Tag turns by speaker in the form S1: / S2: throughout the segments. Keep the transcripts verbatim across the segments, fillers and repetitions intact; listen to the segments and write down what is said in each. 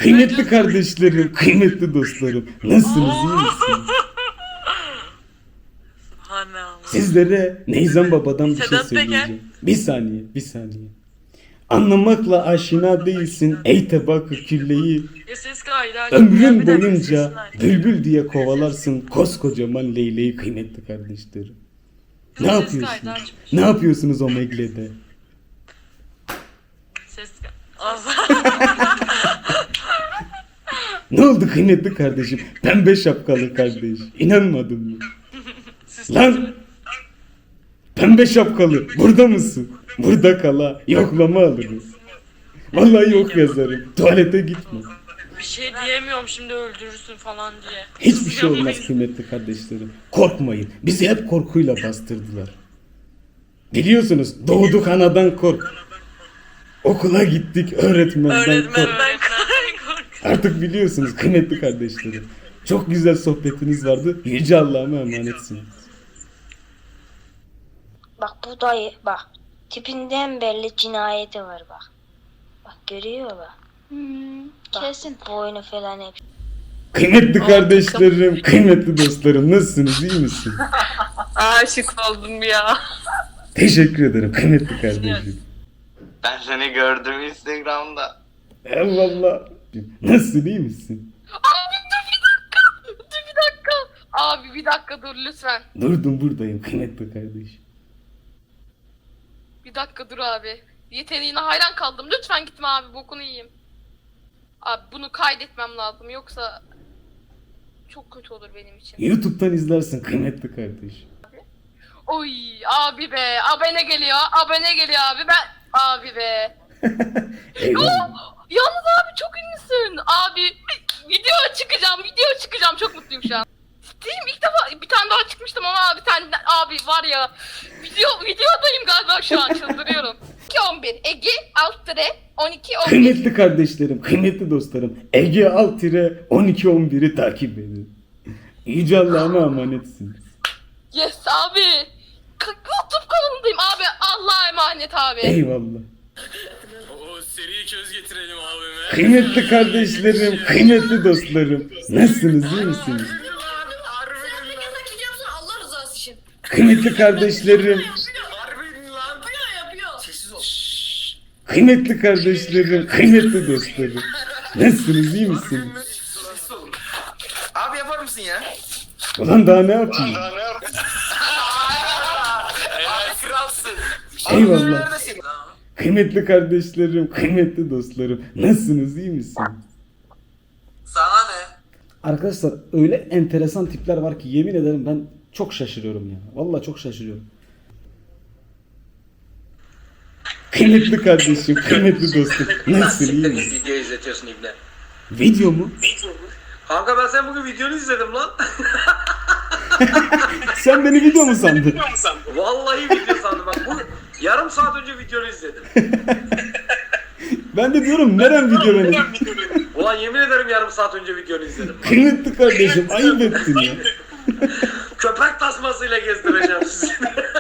S1: Kıymetli kardeşlerim, kıymetli dostlarım. Nasılsınız, iyi misiniz? Sizlere Neyzen Baba'dan bir şey
S2: Sedat Peker.
S1: söyleyeceğim. Bir saniye, bir saniye. Anlamakla aşina değilsin ey tebakı külleyi.
S2: Ya ses kaydı.
S1: Ömrün boyunca bülbül diye kovalarsın koskocaman leyleği kıymetli kardeşlerim. Ne
S2: Ses
S1: yapıyorsunuz?
S2: kaydı açmış.
S1: Ne yapıyorsunuz o meglede?
S2: Ses kaydı.
S1: Ne oldu kıymetli kardeşim? Pembe şapkalı kardeş. İnanmadın mı? Lan! Pembe şapkalı. Burada mısın? Burada kala. Yoklama alırız. Vallahi yok yazarım. Tuvalete gitme.
S2: Bir şey diyemiyorum şimdi öldürürsün falan diye.
S1: Hiçbir şey olmaz kıymetli kardeşlerim. Korkmayın. Bizi hep korkuyla bastırdılar. Biliyorsunuz doğduk anadan kork. Okula gittik öğretmenden kork.
S2: Öğretmenden kork.
S1: Artık biliyorsunuz kıymetli kardeşlerim. Çok güzel sohbetiniz vardı. Yüce Allah'ıma emanetsiniz.
S3: Bak bu dayı bak. Tipinden belli cinayeti var bak. Bak görüyor bak.
S4: Hmm,
S3: Bak,
S4: kesin.
S3: boynu falan hep.
S1: Kıymetli kardeşlerim, kıymetli dostlarım nasılsınız, iyi misiniz?
S2: Aşık oldum ya.
S1: Teşekkür ederim kıymetli kardeşim.
S5: Ben seni gördüm Instagram'da.
S1: Eyvallah. Nasılsın, iyi misin?
S4: Abi dur bir dakika. Dur bir dakika. Abi bir dakika dur lütfen.
S1: Durdum buradayım kıymetli kardeşim.
S4: Bir dakika dur abi. Yeteneğine hayran kaldım. Lütfen gitme abi bokunu yiyeyim. Abi bunu kaydetmem lazım yoksa çok kötü olur benim için.
S1: YouTube'dan izlersin kıymetli kardeşim.
S4: Oy abi be. Abone geliyor. Abone geliyor abi. Ben abi be.
S1: Eyvallah.
S4: Yalnız abi çok ünlüsün. Abi video çıkacağım. Video çıkacağım. Çok mutluyum şu an. Ciddiyim ilk defa bir tane daha çıkmıştım ama bir tane abi var ya video videodayım galiba şu an çıldırıyorum. iki on bir Ege alt tire on iki on bir.
S1: Kıymetli kardeşlerim, kıymetli dostlarım. Ege alt on iki on bir'i takip edin. Yüce Allah'ıma emanetsiniz.
S4: Yes abi. K- YouTube kanalındayım abi. Allah'a emanet abi.
S1: Eyvallah.
S6: O seri köz getirelim abime.
S1: Kıymetli kardeşlerim, kıymetli dostlarım. Nasılsınız, iyi misiniz?
S4: Allah rızası için.
S1: Kıymetli kardeşlerim,
S6: Harbin lan. Sessiz ol.
S1: kıymetli kardeşlerim, kıymetli dostlarım. Nasılsınız, iyi misiniz?
S6: Sessiz olun. Abi yapar mısın ya?
S1: Ulan daha ne yapayım?
S6: Helal kralsın.
S1: Eyvallah.
S6: Neredesin?
S1: Kıymetli kardeşlerim, kıymetli dostlarım. Nasılsınız, iyi misiniz?
S5: Sana ne?
S1: Arkadaşlar öyle enteresan tipler var ki yemin ederim ben çok şaşırıyorum ya. Vallahi çok şaşırıyorum. Kıymetli kardeşim, kıymetli dostum. Nasılsın, iyi misin?
S5: Video izletiyorsun İbne.
S1: Video mu?
S5: Kanka ben sen bugün videonu izledim lan.
S1: Sen beni video mu sandın?
S5: Vallahi video sandım bak bu yarım saat önce videonu izledim.
S1: Ben de diyorum nereden video benim?
S5: Ulan yemin ederim yarım saat önce videonu izledim.
S1: Kıymetli kardeşim ayıp ettin ya.
S5: Köpek tasmasıyla gezdireceğim sizi.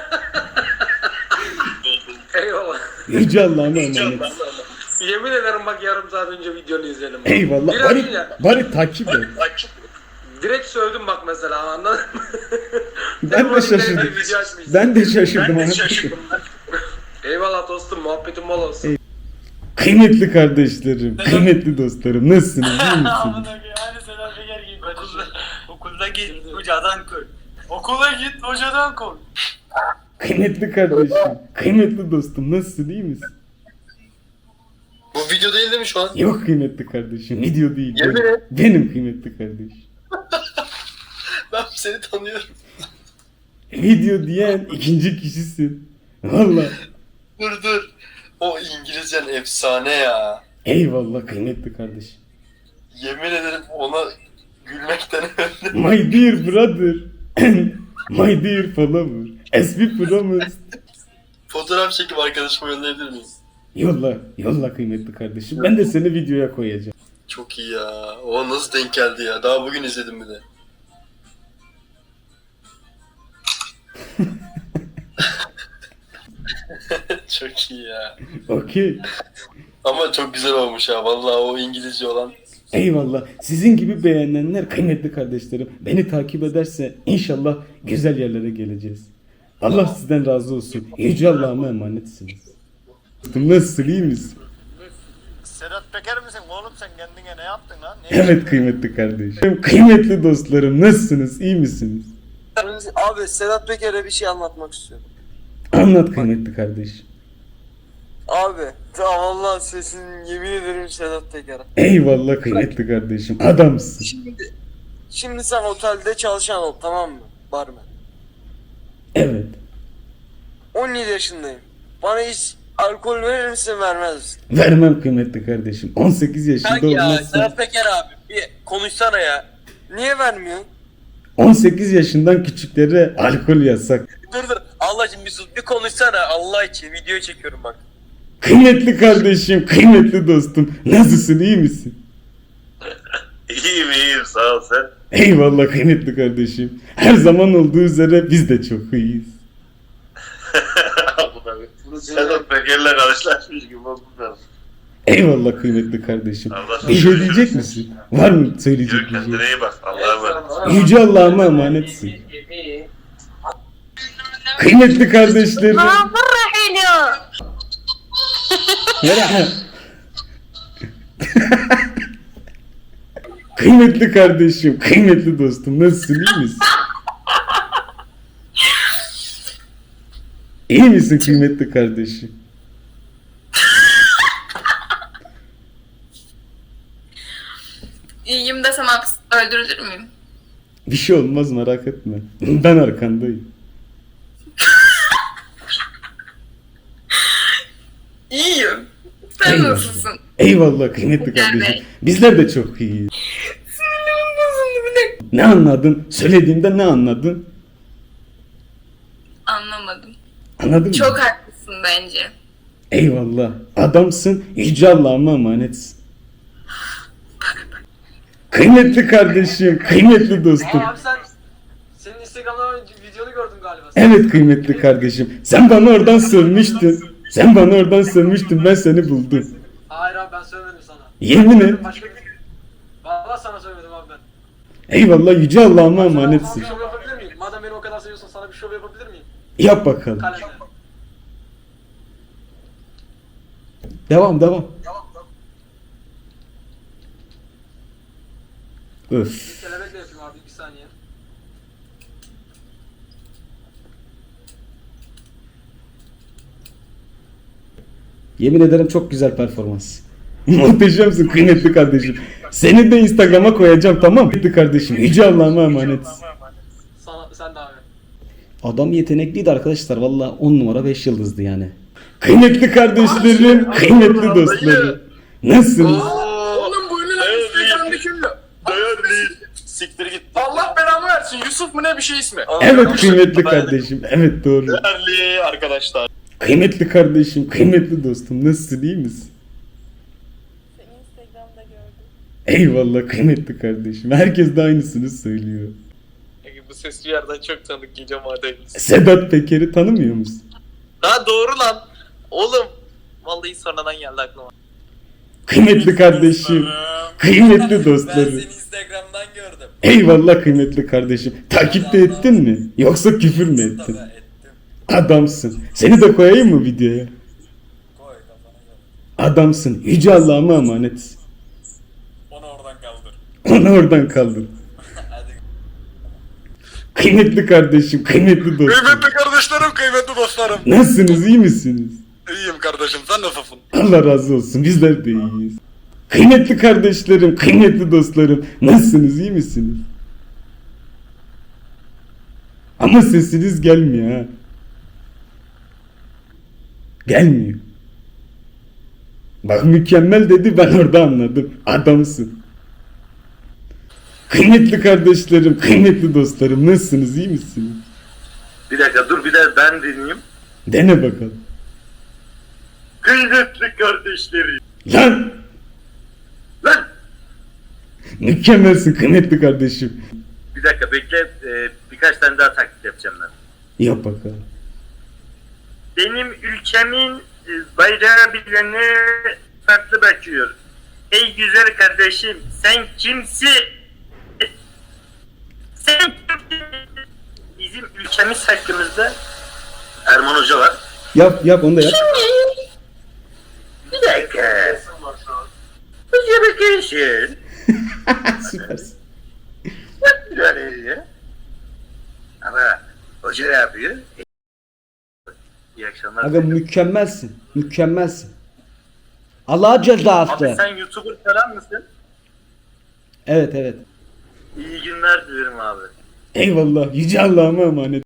S5: Eyvallah.
S1: Yüce Allah'ıma emanet.
S5: Yemin ederim bak yarım saat önce videonu izledim.
S1: Eyvallah.
S5: Biraz
S1: Bari,
S5: önce
S1: bari takip et.
S5: direkt sövdüm bak mesela anladın mı?
S1: Ben de şaşırdım.
S5: Video açmışsın.
S1: Ben de şaşırdım.
S5: Ben de
S1: anladın mı?
S5: şaşırdım. Eyvallah dostum muhabbetin bol olsun.
S1: Kıymetli kardeşlerim, kıymetli dostlarım. Nasılsınız, iyi misiniz?
S6: Hani Sedat Peker gibi okulda, okulda git hocadan kork. Okula git hocadan kork.
S1: Kıymetli kardeşim, kıymetli dostum. Nasılsın, iyi misin?
S7: Bu video değil değil mi şu an?
S1: Yok kıymetli kardeşim, video değil.
S7: Yemin
S1: Benim,
S7: et.
S1: benim kıymetli kardeş.
S7: Ben seni tanıyorum.
S1: Video diyen ikinci kişisin. Vallahi.
S7: Dur dur. O İngilizcen efsane ya.
S1: Eyvallah kıymetli kardeşim.
S7: Yemin ederim ona gülmekten öldüm.
S1: My dear brother. My dear follower. As we promised.
S7: Fotoğraf çekip arkadaşıma gönderebilir miyim?
S1: Yolla, yolla kıymetli kardeşim. Ben de seni videoya koyacağım.
S7: Çok iyi ya. O nasıl denk geldi ya? Daha bugün izledim bir de. Çok iyi ya.
S1: Okey.
S7: Ama çok güzel olmuş ya. Vallahi o İngilizce olan
S1: Eyvallah. Sizin gibi beğenenler kıymetli kardeşlerim. Beni takip ederse inşallah güzel yerlere geleceğiz. Allah sizden razı olsun. Yüce Allah'ıma emanetsiniz. Nasılsın, iyi misin?
S7: Sedat Peker misin oğlum sen kendine ne yaptın lan? Ne
S1: Evet kıymetli kardeşim. Kıymetli dostlarım nasılsınız, iyi misiniz?
S8: Abi Sedat Peker'e bir şey anlatmak istiyorum.
S1: Anlat kıymetli kardeşim.
S8: Abi ta vallahi sesin yemin ederim Sedat Peker'e.
S1: Eyvallah kıymetli kardeşim. Adamsın.
S8: Şimdi, şimdi sen otelde çalışan ol, tamam mı? Barmen.
S1: Evet.
S8: on yedi yaşındayım. Bana hiç alkol verir misin, vermez misin?
S1: Vermem kıymetli kardeşim. on sekiz yaşında
S8: Kanki ya
S1: olmazsa
S8: Sedat Peker abi bir konuşsana ya. Niye vermiyorsun?
S1: on sekiz yaşından küçüklere alkol yasak.
S8: Dur dur Allah için bir sus, bir konuşsana Allah için, video çekiyorum bak.
S1: Kıymetli kardeşim, kıymetli dostum. Nasılsın, iyi misin?
S5: İyiyim iyiyim sağ ol sen.
S1: Eyvallah kıymetli kardeşim. Her zaman olduğu üzere biz de çok iyiyiz.
S5: Sedat Peker'le karşılaşmış gibi oldum ben.
S1: Eyvallah kıymetli kardeşim.
S5: Allah
S1: Bir şey
S5: razı
S1: diyecek
S5: olsun.
S1: misin? Var mı söyleyecek
S5: Yürü
S1: bir şey?
S5: kendine iyi bak. Allah'a emanet.
S1: Yüce Allah'ıma emanetsin. Kıymetli kardeşlerim. Merhaba. Kıymetli kardeşim, kıymetli dostum, nasılsın, iyi misin? İyi misin kıymetli kardeşim?
S4: İyiyim desem hapis- öldürülür müyüm?
S1: Bir şey olmaz, merak etme. Ben arkandayım.
S4: İyiyim. Sen
S1: Eyvallah.
S4: nasılsın?
S1: Eyvallah kıymetli kardeşim. Bizler de çok iyiyiz. Ne anladın? Söylediğimde ne anladın?
S4: Anlamadım.
S1: Anladın mı?
S4: Çok haklısın bence.
S1: Eyvallah. Adamsın. Yüce Allah'ıma emanetsin. Kıymetli kardeşim, kıymetli dostum.
S6: Abi sen senin Instagram'da videonu gördüm galiba.
S1: Evet kıymetli kardeşim. Sen bana oradan sövmüştün. Sen bana oradan sövmüştün. Ben seni buldum.
S6: Hayır abi ben söylemedim sana.
S1: Yemin et.
S6: Başka bir... Valla sana söylemedim abi ben.
S1: Eyvallah, Yüce Allah'ıma
S6: Sana, sana
S1: emanetsin.
S6: bir şov yapabilir miyim? Madem beni o kadar seviyorsan sana bir şov yapabilir miyim?
S1: Yap bakalım.
S6: Kalende.
S1: Devam devam. Öf.
S6: Kelebekle yapayım abi bir saniye.
S1: Yemin ederim çok güzel performans. Muhteşemsin kıymetli kardeşim. Seni de Instagram'a koyacağım, tamam mı? Kıymetli kardeşim. Yüce Allah'ıma emanet.
S6: Sana, sen de abi.
S1: Adam yetenekliydi arkadaşlar. Valla on numara beş yıldızdı yani. Kıymetli kardeşlerim, kıymetli dostlarım. Nasılsınız?
S7: Oğlum bu ünlü lan Instagram'daki ünlü. Değerli. Siktir git. Allah belamı versin. Yusuf mu ne bir şey ismi?
S1: Evet kıymetli kardeşim. Evet doğru.
S7: Değerli arkadaşlar.
S1: Kıymetli kardeşim, kıymetli dostum. Nasılsın, iyi misin?
S9: Seni Instagram'da gördüm.
S1: Eyvallah kıymetli kardeşim. Herkes de aynısını söylüyor.
S7: Bu ses bir yerden çok tanıdık geliyor madem.
S1: Sedat Peker'i tanımıyor musun?
S7: Ha doğru lan. Oğlum. Vallahi sonradan geldi aklıma.
S1: Kıymetli kardeşim, kıymetli dostlarım.
S8: Instagram'dan gördüm.
S1: Eyvallah kıymetli kardeşim. Takipte ettin mi? Yoksa küfür mü ettin?
S8: Ettim.
S1: Adamsın. Seni de koyayım mı videoya?
S8: Koy kafana göre.
S1: Adamsın. Yüce Allah'ıma emanet.
S8: Onu oradan kaldır.
S1: Onu oradan kaldır.
S8: Hadi.
S1: Kıymetli kardeşim, kıymetli dostum.
S7: Kıymetli kardeşlerim, kıymetli dostlarım.
S1: Nasılsınız, iyi misiniz?
S7: İyiyim kardeşim, sen nasılsın?
S1: Allah razı olsun, bizler de iyiyiz. Kıymetli kardeşlerim, kıymetli dostlarım. Nasılsınız, iyi misiniz? Ama sesiniz gelmiyor ha. Gelmiyor. Bak mükemmel dedi, ben orada anladım. Adamsın. Kıymetli kardeşlerim, kıymetli dostlarım. Nasılsınız, iyi misiniz?
S5: Bir dakika dur bir de ben dinleyeyim.
S1: Dene bakalım.
S5: Kıymetli kardeşlerim.
S1: Lan!
S5: Lan!
S1: Mükemmelsin kıymetli kardeşim.
S5: Bir dakika bekle e, birkaç tane daha taklit yapacağım ben.
S1: Yap bakalım.
S5: Benim ülkemin e, bayrağı bilene farklı bakıyor.
S6: Ey güzel kardeşim, sen kimsin? Sen kimsin? Bizim ülkemiz hakkımızda Erman Hoca var.
S1: Yap yap onu da yap.
S6: Bir dakika. Hoca bakıyorsun.
S1: Süpersin.
S6: Böyle ama hoca ne yapıyor? İyi akşamlar.
S1: Aga mükemmelsin. Mükemmelsin. Allah cezası.
S6: Abi sen YouTuber falan mısın?
S1: Evet evet.
S6: İyi günler dilerim abi.
S1: Eyvallah. Yüce Allah'ıma emanet.